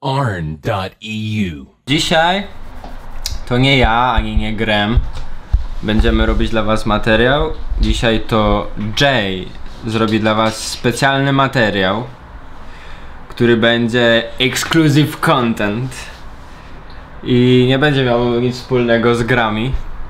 arn.eu. Dzisiaj to nie ja, ani nie Grem będziemy robić dla was materiał. Dzisiaj to Jay zrobi dla was specjalny materiał, który będzie exclusive content i nie będzie miał nic wspólnego z grami.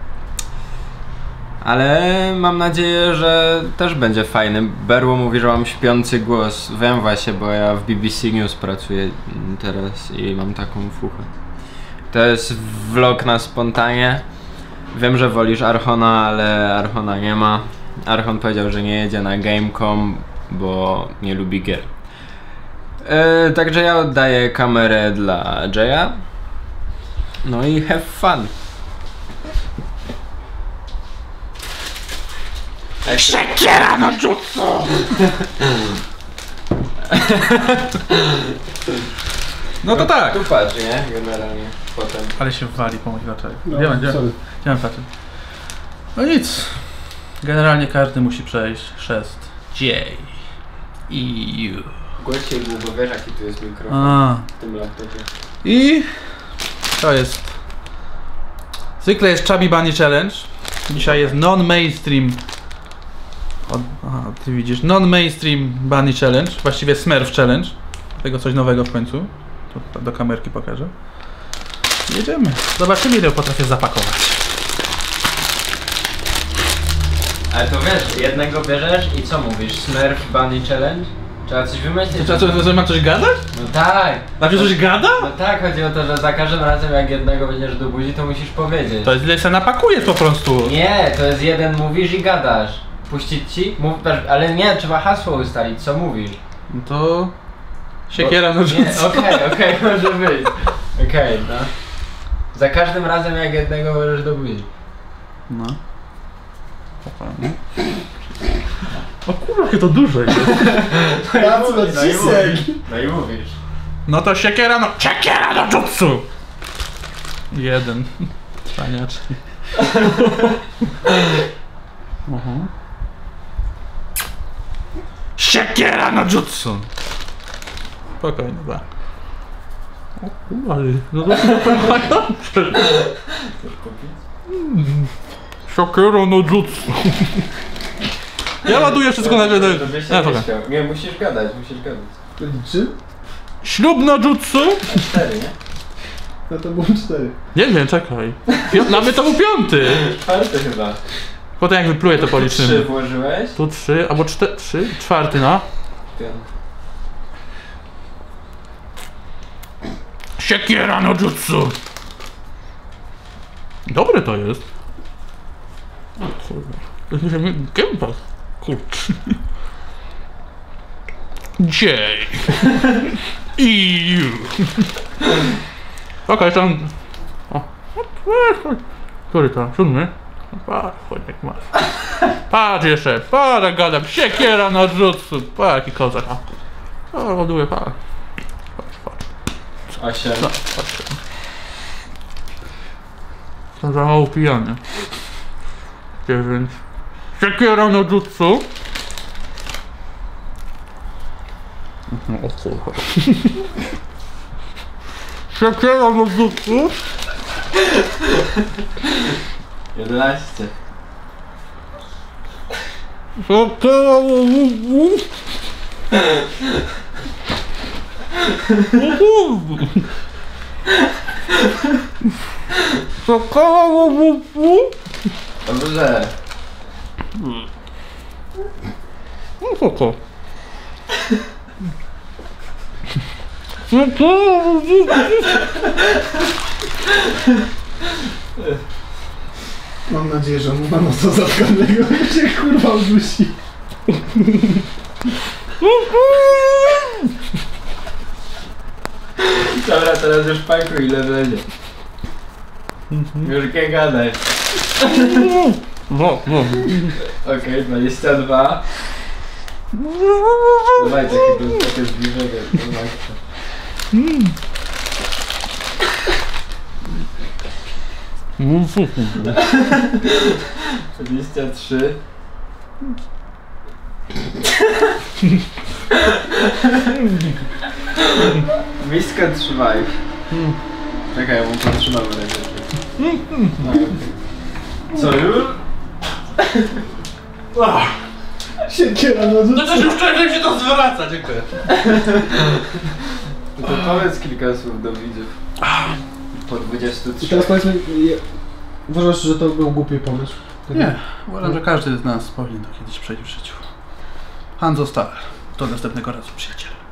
Ale mam nadzieję, że też będzie fajny. Berło mówi, że mam śpiący głos. Wiem właśnie, bo ja w BBC News pracuję teraz i mam taką fuchę. To jest vlog na spontanie. Wiem, że wolisz Archona, ale Archona nie ma. Archon powiedział, że nie jedzie na Gamecom, bo nie lubi gier. Także ja oddaję kamerę dla Jaya. No i have fun. Siekiera no jutsu! No to tak! Tu patrz, nie? Generalnie. Potem. Ale się wali po moich oczach. No, Gdzie mam patrzeć? No nic. Generalnie każdy musi przejść chrzest J. I U. Głośniej był, bo wiesz jaki tu jest mikrofon w tym laptopie. I to jest. Zwykle jest Chubby Bunny Challenge. Dzisiaj jest non-mainstream. Aha, ty widzisz. Non-mainstream Bunny Challenge. Właściwie Smurf Challenge. Tego coś nowego w końcu. To do kamerki pokażę. Jedziemy. Zobaczymy, ile potrafię zapakować. Ale to wiesz, jednego bierzesz i co mówisz? Smurf Bunny Challenge? Trzeba coś wymyślić. To ma coś gadać? No tak! Znaczy coś gada? No tak, chodzi o to, że za każdym razem jak jednego będziesz do buzi, to musisz powiedzieć. To jest ile się napakujesz po prostu. Nie, to jest jeden mówisz i gadasz. Puścić ci? Ale nie, trzeba hasło ustalić, co mówisz. No to... Siekiera no jutsu. Okej, może być. Okej, no. Za każdym razem jak jednego możesz do buzi. No. O kurwa, jakie to duże jest. No i mówisz. No to siekiera no jutsu! Jeden. Paniaczki. Siekiera no jutsu! Spokojnie, da. O kurwa, ale... No to jest napędzające. Siekiera no jutsu. Ja ładuję wszystko na jeden. Nie, musisz gadać. To liczy? Ślub no jutsu? 4, nie? No to było 4. Nie wiem, czekaj. Nawet to był 5. 4 chyba. Potem jak wypluję to policzymy. 3 włożyłeś? Tu 3, albo 4, 3, 4, no. 5. Siekiera no jutsu! Dobre to jest. O kurwa. Gęba. Kurczę. J. I U. Okej, tam... O. Który to? 7? Chodź jak masz. Patrz jeszcze, patrz gadam. Siekiera no jutsu. Patrz jaki kozak. O, ładuję, patrz. 8. No, patrz. To za mało pijany. 9. Siekiera no jutsu. O kurwa. Siekiera no jutsu. 11. Siekiera no jutsu. Siekiera no jutsu. Dobrze. No co to? Siekiera no jutsu. Mam nadzieję, że on ma nosa zatkanego i się kurwa udusi. Dobra, teraz już pakuj ile będzie. Już nie gadaj. No. Okej, 22. Dawaj takie zbliżenie do maksa. 23. Miskę trzymaj. Czekaj, ja mu potrzymam rękę. No, okay. Co już? Siekiera na No to już wczoraj się to zwraca, dziękuję. No to powiedz kilka słów do widzów. Po 23. I teraz powiedzmy, uważasz, że to był głupi pomysł? Nie, uważam, że każdy z nas powinien to kiedyś przejść w życiu. Hanzo Star. Do następnego razu, przyjaciele.